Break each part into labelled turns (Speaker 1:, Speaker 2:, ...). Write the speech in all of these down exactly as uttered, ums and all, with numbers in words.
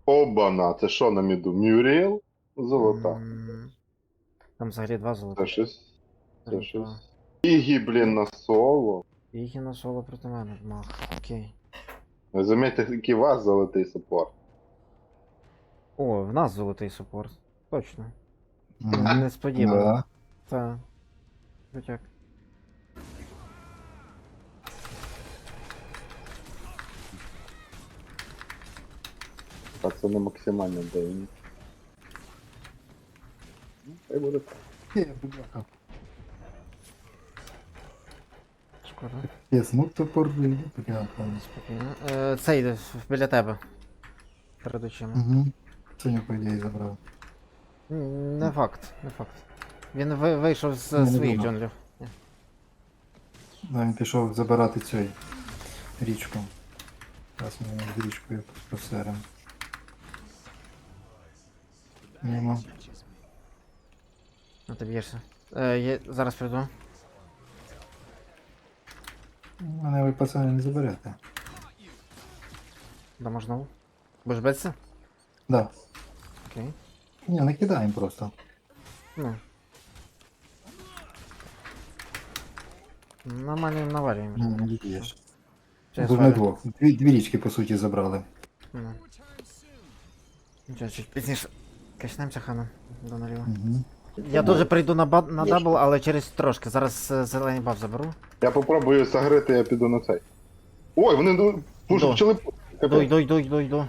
Speaker 1: Обана, це що на міду? Мюріел? Золота.
Speaker 2: М, Там взагалі два
Speaker 1: Це
Speaker 2: золота.
Speaker 1: щось. Це
Speaker 2: Золота.
Speaker 1: щось. Ігі, блін, на соло.
Speaker 2: Ігі на соло проти мене мах. Окей.
Speaker 1: Ви замітьте, який у вас золотий саппорт.
Speaker 2: О, в нас золотий супорт. Точно.
Speaker 3: Мгм.
Speaker 2: Несподівано.
Speaker 3: Да.
Speaker 2: Так. Крутяк.
Speaker 1: Так, це не максимально дивні. Ну, хай буде так.
Speaker 3: Є, бляха.
Speaker 2: Шкода.
Speaker 3: Пес, ну топор, блін, бляха.
Speaker 2: Спокійно. Е, Цей йде біля тебе. Перед очима.
Speaker 3: Угу. Це по ідеї забрав.
Speaker 2: М, Не факт, не факт. Він ви- вийшов з
Speaker 3: Я не
Speaker 2: своїх
Speaker 3: думав.
Speaker 2: джунглів.
Speaker 3: Да, він пішов забирати цей річку. Зараз ми його з річкою посеремо. Мімо.
Speaker 2: Ну ти б'єшся. Е, я зараз прийду.
Speaker 3: Мене ви пацани не заберете.
Speaker 2: Дамо знову. Будеш битися?
Speaker 3: Да.
Speaker 2: Окей.
Speaker 3: Ні, не кидаємо просто.
Speaker 2: Ну. Нормально їм навалюємо.
Speaker 3: Ну, не дієш.
Speaker 2: Чи я
Speaker 3: Тут ми
Speaker 2: свалю?
Speaker 3: двох. Дві, дві річки, по суті, забрали.
Speaker 2: Ну. Нічого, чуть пізніше. Качнемося ханом до наліво.
Speaker 3: Угу.
Speaker 2: Я дуже прийду на, ба- на дабл, але через трошки. Зараз е, зелений баф заберу.
Speaker 1: Я попробую загрити, я піду на цей. Ой, вони ду- дуже
Speaker 2: Йду.
Speaker 1: почали.
Speaker 2: Йду, йду, йду, йду, йду.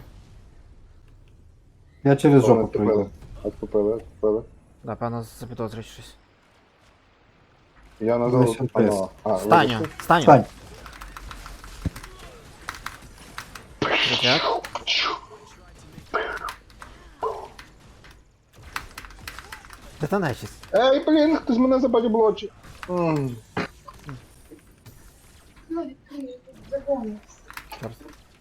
Speaker 3: Я через
Speaker 1: Вони
Speaker 3: жопу
Speaker 1: відступили.
Speaker 3: пройду.
Speaker 1: Відступили, відступили.
Speaker 2: Да, певно, запідозрюють щось.
Speaker 1: Я на
Speaker 3: Вони
Speaker 1: золоту
Speaker 3: ще
Speaker 1: панула. А,
Speaker 2: Станю,
Speaker 1: вибачте.
Speaker 2: станю.
Speaker 3: Стань!
Speaker 2: Крутяк. Де та нечість?
Speaker 1: Ей, блін, хтось мене забадів блочі. М,
Speaker 2: Чорт.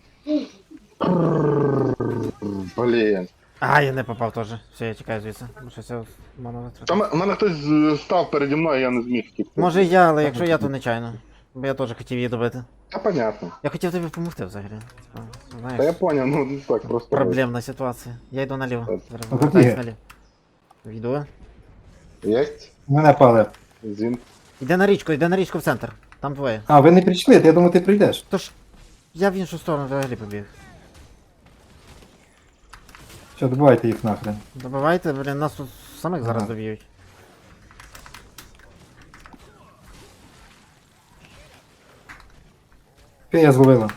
Speaker 1: Блін.
Speaker 2: А, я не попав теж. Все, я тікаю звідси. Бо щось я ману витратив.
Speaker 1: Там у мене хтось з- став переді мною, я не зміг втікти.
Speaker 2: Може я, але якщо я, то нечайно. Бо я теж хотів її добити.
Speaker 1: Та понятно.
Speaker 2: Я хотів тобі допомогти взагалі. Типа,
Speaker 1: Та я
Speaker 2: знаєш,
Speaker 1: поняв, ну не так просто.
Speaker 2: проблемна ситуація. Я йду наліво.
Speaker 1: Так.
Speaker 2: Зараз
Speaker 3: А
Speaker 2: повертаюсь
Speaker 3: тут є.
Speaker 2: наліво. Йду.
Speaker 1: Єсть?
Speaker 3: Мене пале.
Speaker 1: Зін.
Speaker 2: Йди на річку, йди на річку в центр. Там двоє.
Speaker 3: А, ви не прийшли, я думав, ти прийдеш.
Speaker 2: Тож, я в іншу сторону взагалі побіг.
Speaker 3: Що, добивайте їх нахрен.
Speaker 2: Добивайте, блін, нас тут самих зараз
Speaker 3: Ага.
Speaker 2: доб'ють.
Speaker 3: Фея зловила.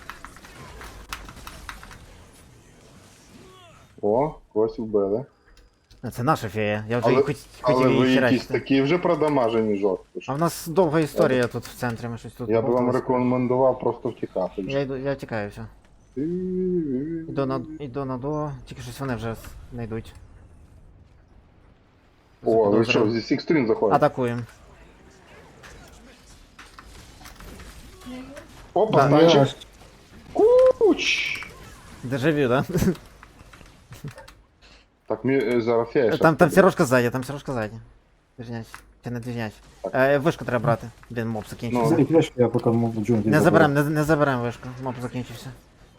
Speaker 1: О, когось вбили.
Speaker 2: А, Це наша фея. Я вже
Speaker 1: Але,
Speaker 2: її хот-
Speaker 1: але
Speaker 2: хотів
Speaker 1: ви
Speaker 2: її
Speaker 1: якісь
Speaker 2: херачити.
Speaker 1: такі вже продамажені жорстко.
Speaker 2: А в нас довга історія тут в центрі, ми щось тут.
Speaker 1: Я б вам
Speaker 2: болтались.
Speaker 1: рекомендував просто втікати.
Speaker 2: Я йду, я тікаю, все. Іду на, іду на до, тільки щось вони вже не йдуть.
Speaker 1: О, ви що,
Speaker 2: Запідозрив.
Speaker 1: зі всіх сторін заходите?
Speaker 2: Атакуємо.
Speaker 1: Опа,
Speaker 2: Да.
Speaker 1: станчик. Куч!
Speaker 2: Дежавю, да?
Speaker 1: Так, мі е, зараз фея.
Speaker 2: Там, там сірошка ззаді, там сірошка ззаді. Движняч. Чи не движняч? Е, вишку треба брати. Блін, моб закінчився.
Speaker 1: Ну.
Speaker 3: Заберіть флешку, я поки можу джунглі.
Speaker 2: Не заберем, не, не заберем вишку. Моб закінчився.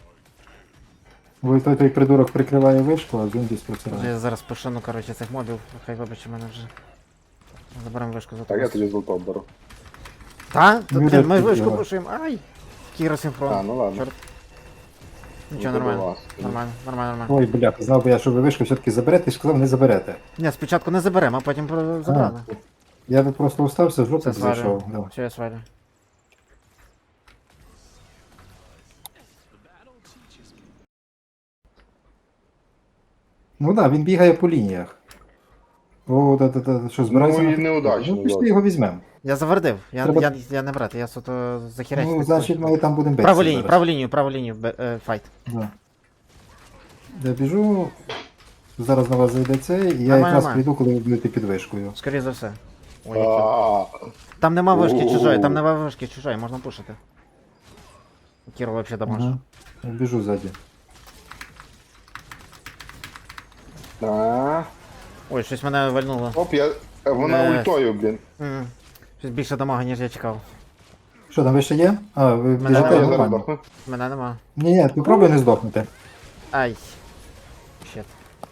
Speaker 3: Бо той, той придурок прикриває вишку, а джунглі
Speaker 2: Вже
Speaker 3: спрацюває.
Speaker 2: я зараз пошину, коротше, цих мобів. Хай вибачте мене вже. Заберем вишку за
Speaker 1: Так, я
Speaker 2: тобою.
Speaker 1: тоді золото беру.
Speaker 2: Та? Та,
Speaker 3: Ну,
Speaker 2: блін, ми
Speaker 3: так,
Speaker 2: вишку
Speaker 3: давай.
Speaker 2: пушуємо. Ай! Кіросинхрон.
Speaker 1: А, ну ладно.
Speaker 2: Чорт. Нічого,
Speaker 1: Ну, то до
Speaker 2: нормально.
Speaker 1: вас.
Speaker 2: Нормально, нормально, нормально.
Speaker 3: Ой, бля, знав би я, що ви вишку все-таки заберете, і сказав, не заберете.
Speaker 2: Ні, спочатку не заберемо, а потім про- забрали.
Speaker 3: А, я би просто устався, в жопу
Speaker 2: Це свалюю.
Speaker 3: зайшов. Да.
Speaker 2: Все, я свалю.
Speaker 3: Ну так, да, він бігає по лініях. О, да, да, да, що, збирається?
Speaker 1: Ну, і
Speaker 3: на-
Speaker 1: неудачно,
Speaker 3: Ну, пішли
Speaker 1: да.
Speaker 3: його візьмемо.
Speaker 2: Я завердив, я,
Speaker 3: Треба-
Speaker 2: я, я не брат, я суто захерячив.
Speaker 3: Ну, значить, ми там будемо битися.
Speaker 2: Праву лінію,
Speaker 3: зараз.
Speaker 2: праву лінію, праву лінію, бе- е, файт.
Speaker 3: Да. Я біжу, зараз на вас зайде цей, і я
Speaker 2: Нормально,
Speaker 3: якраз
Speaker 2: нормально.
Speaker 3: прийду, коли ви будете під вишкою.
Speaker 2: Скоріше за все. Ой, який-
Speaker 1: А,
Speaker 2: Там нема вишки
Speaker 1: У-у-у.
Speaker 2: чужої, там нема вишки чужої, можна пушити. Кіро вообще дамаж.
Speaker 3: Ага. Я біжу ззаді.
Speaker 1: а.
Speaker 2: Ой, щось мене вальнуло.
Speaker 1: Оп, я. е, Вона
Speaker 2: Не.
Speaker 1: ультою, блін.
Speaker 2: М, Щось більше дамага, ніж я чекав.
Speaker 3: Що там, ви ще є? А, ви
Speaker 2: Мене
Speaker 1: А,
Speaker 3: біжите
Speaker 1: я зараз
Speaker 3: нормально.
Speaker 1: дохну.
Speaker 2: Мене нема.
Speaker 3: Ні, ні, попробуй не здохнути.
Speaker 2: Ай. Щет.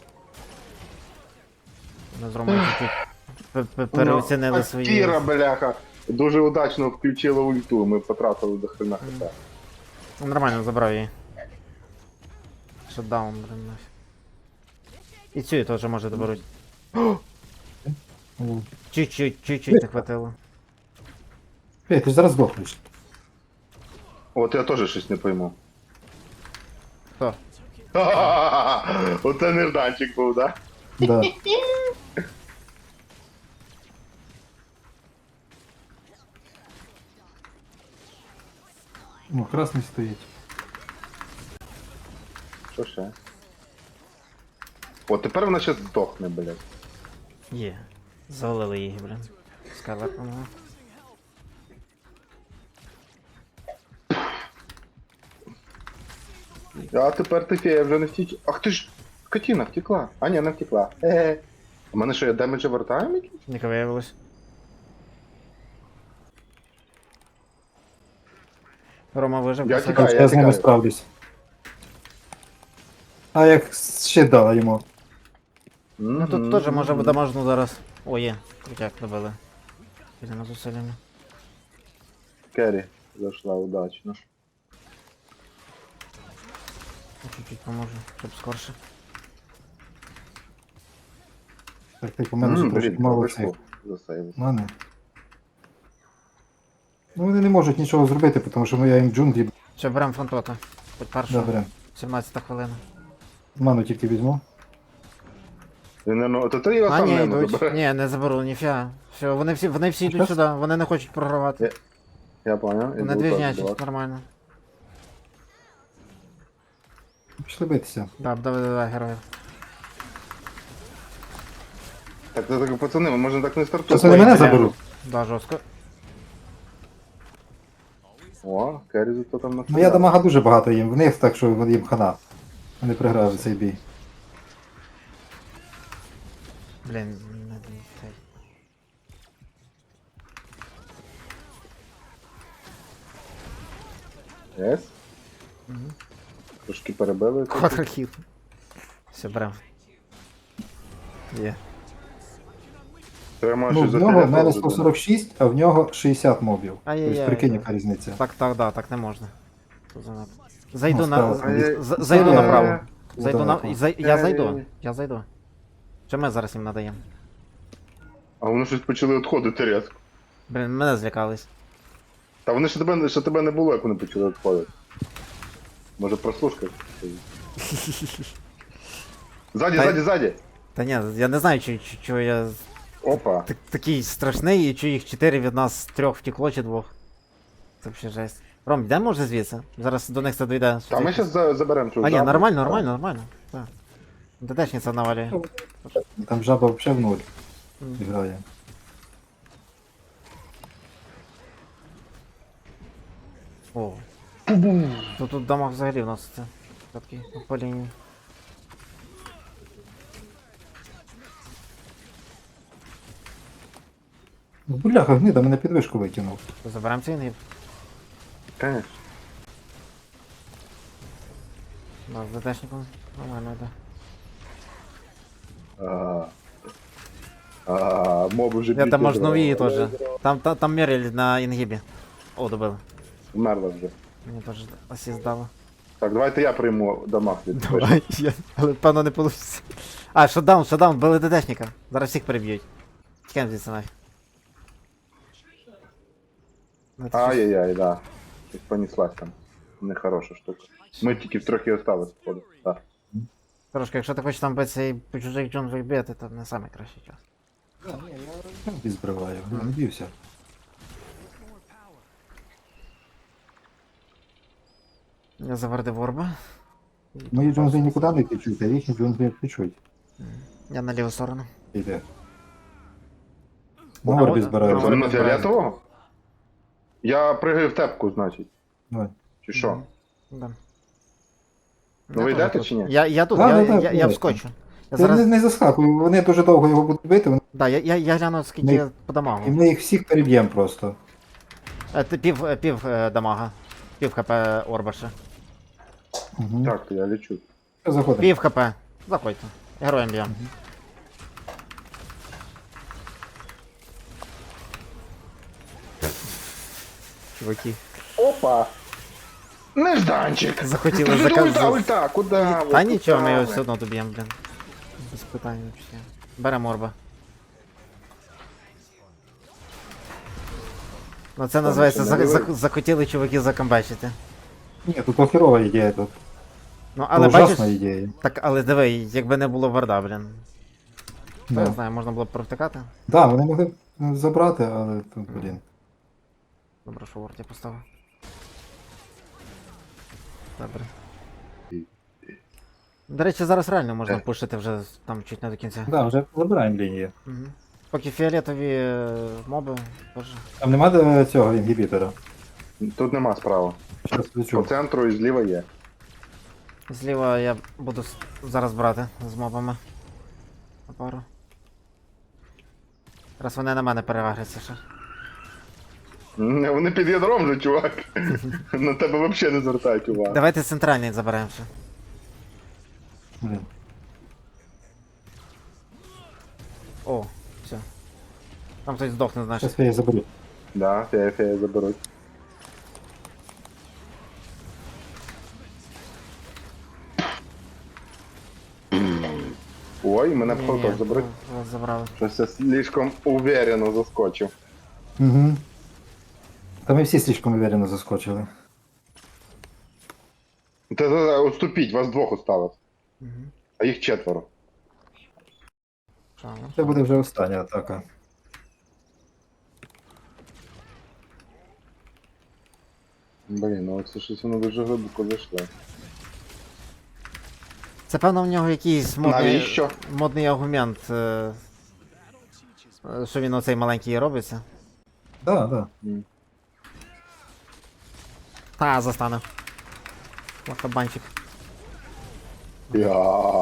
Speaker 2: Ми з Ромою чуть-чуть пе- пе- переоцінили
Speaker 1: Ну,
Speaker 2: свої...
Speaker 1: Кіра, бляха, дуже удачно включила ульту, ми потратили до хрена хп.
Speaker 2: Ну, нормально, забрав її. Шатдаун, блин, нафіг. І цю теж може доберуть.
Speaker 3: Ну,
Speaker 2: Чуть-чуть, чуть-чуть не хватило.
Speaker 3: Ей, ти ж зараз здохнеш.
Speaker 1: От я теж щось не пойму.
Speaker 2: Хто?
Speaker 1: Оце нерданчик був, да?
Speaker 3: Да. Ну, красний стоїть.
Speaker 1: Що ще? От тепер вона ще здохне, блядь.
Speaker 2: Є. Завалили її, блин. Скарлет, по-моєму.
Speaker 1: А тепер ти фея вже не втіч. Ах ти ж, скотина, втекла. А ні, не втекла. Е-е. У мене що, я демеджа вертаємо якийсь?
Speaker 2: Не виявилось. Рома вижив.
Speaker 1: Я
Speaker 2: красавчик.
Speaker 1: тікаю.
Speaker 3: Я з ними
Speaker 1: тікаю.
Speaker 3: справлюсь. А як ще дала йому?
Speaker 2: Ну тут теж може дамажну зараз. О, є. Крутяк добили. Підемо з усилями.
Speaker 1: Керрі зайшла удачно.
Speaker 2: Я чуть-чуть поможу, щоб скорше.
Speaker 3: Так, так, у мене вже
Speaker 1: М,
Speaker 3: трошки
Speaker 1: блін,
Speaker 3: мало
Speaker 1: повезло.
Speaker 3: цих.
Speaker 1: Засейвив.
Speaker 3: У мене. Ну вони не можуть нічого зробити, тому що ну, я їм джунглі
Speaker 2: Все, беремо фронтота. Хоч першу.
Speaker 3: добре.
Speaker 2: сімнадцята хвилина.
Speaker 3: Ману тільки візьму.
Speaker 1: Він, наверно, то ти його
Speaker 2: А,
Speaker 1: сам
Speaker 2: ні,
Speaker 1: не
Speaker 2: йдуть.
Speaker 1: забере.
Speaker 2: Ні, не заберу, ніфіга. Все, вони всі, вони всі йдуть
Speaker 3: Щас?
Speaker 2: сюди, вони не хочуть програвати.
Speaker 1: Я понял.
Speaker 2: Вони двіжнячать, нормально.
Speaker 3: Пішли битися.
Speaker 2: Да, давай, давай, героїв.
Speaker 1: Так, так, так, пацани, ми можемо так не
Speaker 3: Зараз
Speaker 1: стартувати.
Speaker 3: вони мене
Speaker 2: бля.
Speaker 3: заберуть.
Speaker 2: Да, жорстко.
Speaker 1: О, Керрі зато там на
Speaker 3: Ну я дамага дуже багато їм, в них так, що їм хана. Вони програли цей бій.
Speaker 2: Блін, не цей.
Speaker 1: Єс?
Speaker 2: Мгм.
Speaker 1: Трошки перебили. тут.
Speaker 2: Квадрохіт. Все, берем. Є.
Speaker 1: Треба
Speaker 3: Ну,
Speaker 1: щось
Speaker 3: в нього в
Speaker 1: застріляти
Speaker 3: мене
Speaker 1: вже,
Speaker 3: сто сорок шість, а в нього шістдесят мобів.
Speaker 2: Ай-яй-яй.
Speaker 3: Тобто прикинь, яка різниця.
Speaker 2: Так, так, да, так не можна. Тут занадто. Зайду
Speaker 3: Ну,
Speaker 2: на.
Speaker 3: став.
Speaker 2: з- з- Зайду
Speaker 3: Е,
Speaker 2: направо. Зайду на.
Speaker 3: далеко.
Speaker 2: зай- Я зайду.
Speaker 1: Е-е-е.
Speaker 2: Я зайду. Що ми зараз їм надаємо?
Speaker 1: А вони щось почали відходити різко.
Speaker 2: Блін, мене злякались.
Speaker 1: Та вони ще тебе, ще тебе не було, як вони почали відходити. Може прослушка? Ззаді,
Speaker 2: Та-
Speaker 1: ззаді, ззаді!
Speaker 2: Та ні, я не знаю, чи, чи, чого я з-
Speaker 1: Опа.
Speaker 2: так, такий страшний, і чи їх чотири від нас трьох втекло, чи двох. Це взагалі жесть. Ром, йдемо вже звідси? Зараз до них це дойде.
Speaker 1: Та ми зараз заберемо цю
Speaker 2: А ні,
Speaker 1: жабу.
Speaker 2: нормально, нормально, нормально. Так. ДДшниця навалює.
Speaker 3: Там жаба взагалі в нуль
Speaker 2: Мгм.
Speaker 3: грає.
Speaker 2: О. Тут, тут дамаг взагалі вноситься. Такий по лінії.
Speaker 3: Ну, бляха, гнида мене підвишку викинув.
Speaker 2: Заберемо цей інгіб.
Speaker 1: Конечно.
Speaker 2: Да, з ДДшником нормально йде.
Speaker 1: А, а, моби вже
Speaker 2: Я там
Speaker 1: б'ють
Speaker 2: можна нові
Speaker 1: відро.
Speaker 2: теж. Там, там, там Меріль на інгібі. О, добили.
Speaker 1: Вмерла вже.
Speaker 2: Мені теж асіст дало.
Speaker 1: Так, давайте я прийму дамаг від
Speaker 2: Давай, я... але певно не вийде. А, шатдаун, шатдаун, били ДДшника. Зараз всіх переб'ють. Тікаємо звідси нафіг. Ну, це щось-
Speaker 1: Ай-яй-яй, да. Щось понеслась там. Нехороша штука. Ми тільки трохи осталось, походу. Так.
Speaker 2: Трошки, якщо ти хочеш там битися і по чужих джунглях бити, то не найкращий час.
Speaker 3: Я збриваю, я не бівся.
Speaker 2: Я завардив орба.
Speaker 3: Мої джунглі нікуди не течуть, а їхні джунглі течуть.
Speaker 2: Я на ліву сторону.
Speaker 3: Іде.
Speaker 2: Ну,
Speaker 3: На орбі
Speaker 2: от,
Speaker 3: збираю.
Speaker 2: ну,
Speaker 1: Це
Speaker 2: от.
Speaker 1: на фіолетового? Я пригаю в тепку, значить.
Speaker 3: Давай.
Speaker 1: Чи що?
Speaker 2: Мгм. Да.
Speaker 1: Ну, ви
Speaker 2: Я
Speaker 1: йдете
Speaker 2: теж
Speaker 1: чи
Speaker 2: тут.
Speaker 1: ні?
Speaker 2: Я, я тут,
Speaker 3: Да,
Speaker 2: я,
Speaker 3: да, да,
Speaker 2: я, я,
Speaker 3: давайте.
Speaker 2: вскочу. Я
Speaker 3: Ти
Speaker 2: зараз...
Speaker 3: не, не заскакуй, вони дуже довго його будуть бити, вони-
Speaker 2: Да, я, я, я гляну, скільки
Speaker 3: Ми-
Speaker 2: я по
Speaker 3: і
Speaker 2: дамагу.
Speaker 3: ми їх всіх переб'ємо просто.
Speaker 2: Е, ти пів, е, пів е, дамага. Пів хп орба ще.
Speaker 3: Угу.
Speaker 1: Так, то я лечу.
Speaker 3: Заходимо.
Speaker 2: Пів хп. Заходьте. Героям б'ємо. Чуваки.
Speaker 1: Опа! Нежданчик!
Speaker 2: Захотіли
Speaker 1: Ульта,
Speaker 2: заказати.
Speaker 1: ульта, куди?
Speaker 2: Та нічого, ми його все одно доб'ємо, блін. Без питань взагалі. Беремо орба. Ну це називається
Speaker 1: ще
Speaker 2: за,
Speaker 1: наливай.
Speaker 2: за, захотіли чуваки закамбачити.
Speaker 3: Ні, тут херова ідея тут.
Speaker 2: Ну
Speaker 3: Але
Speaker 2: але бачиш.
Speaker 3: ужасна ідея.
Speaker 2: Так, але диви, якби не було варда, блін. Я не
Speaker 3: Да.
Speaker 2: знаю, можна було б провтикати.
Speaker 3: Да, вони могли б забрати, але тут, блін.
Speaker 2: Добре, що ворд я поставив. Добре. До речі, зараз реально можна
Speaker 1: Е.
Speaker 2: пушити вже там чуть не до кінця.
Speaker 3: Да, вже забираємо лінію.
Speaker 2: Угу. Поки фіолетові е, моби теж.
Speaker 3: Там нема де цього інгібітора.
Speaker 1: Тут нема справа.
Speaker 3: Зараз
Speaker 1: По
Speaker 3: відчув.
Speaker 1: центру і зліва є.
Speaker 2: Зліва я буду с- зараз брати з мобами. На пару. Раз вони на мене перевагряться ще.
Speaker 1: М, Вони під ядром же, чувак. На тебе взагалі не звертають увагу.
Speaker 2: Давайте центральний заберемо ще.
Speaker 3: Блін.
Speaker 2: О, все. Там хтось здохне, значить.
Speaker 3: Зараз я її заберу.
Speaker 1: Да, фея, фея заберуть. Ой, мене
Speaker 2: Ні-ні,
Speaker 1: вход заберуть.
Speaker 2: вас забрали.
Speaker 1: Щось я слишком уверенно заскочив.
Speaker 3: Угу. Та ми всі слишком уверенно заскочили.
Speaker 1: Та за- отступіть, вас двох осталось.
Speaker 2: Угу.
Speaker 1: А їх четверо.
Speaker 2: Що, ну?
Speaker 3: Це буде вже остання атака.
Speaker 1: Блін, ну це щось воно дуже глибоко зайшло.
Speaker 2: Це певно в нього якийсь модний,
Speaker 1: Навіщо?
Speaker 2: модний аргумент, е, е, що він оцей маленький робиться.
Speaker 3: Да, да.
Speaker 1: М.
Speaker 2: Та, застане. Лохабанчик.
Speaker 1: Я.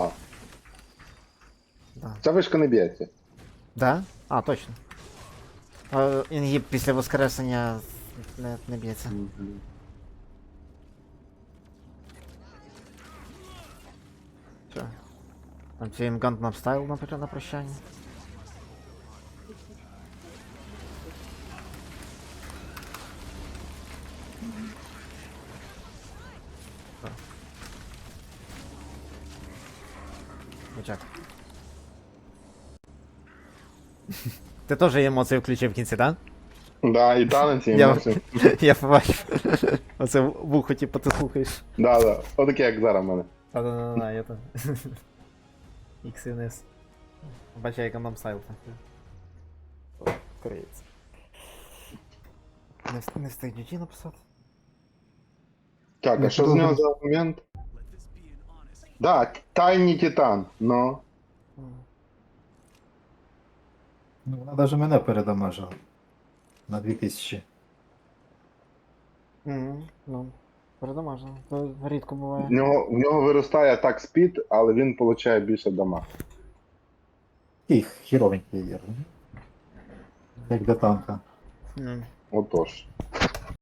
Speaker 2: Да.
Speaker 1: Ця вишка не б'ється.
Speaker 2: Да? А, точно. Е, Інгіб після воскресення не, не б'ється. Що? Там цей імгант нам вставив на, пр- на прощання. Що? Бачак. Ти теж емоції включив в кінці, так?
Speaker 1: Да, і танець, і
Speaker 2: Я,
Speaker 1: емоції.
Speaker 2: я побачив. Оце вухо, типу, ти слухаєш.
Speaker 1: Да, да. Отаке, як зараз в мене.
Speaker 2: Та-да-да-да, я там. X і N S. Бачай, як нам сайл так. Криється. Не, вс- не встиг джі джі написати?
Speaker 1: Так, а
Speaker 3: Ну,
Speaker 1: що з
Speaker 3: добре.
Speaker 1: нього за момент? Да, тайний титан, но.
Speaker 2: М.
Speaker 3: Ну, вона навіть мене передамажила. На дві тисячі.
Speaker 2: Мгм, ну, передамажено. То рідко
Speaker 1: В
Speaker 2: буває.
Speaker 1: нього, в нього виростає атак спід, але він отримує більше дама.
Speaker 3: Такий хіровенький є. Як для танка.
Speaker 2: М.
Speaker 1: Отож.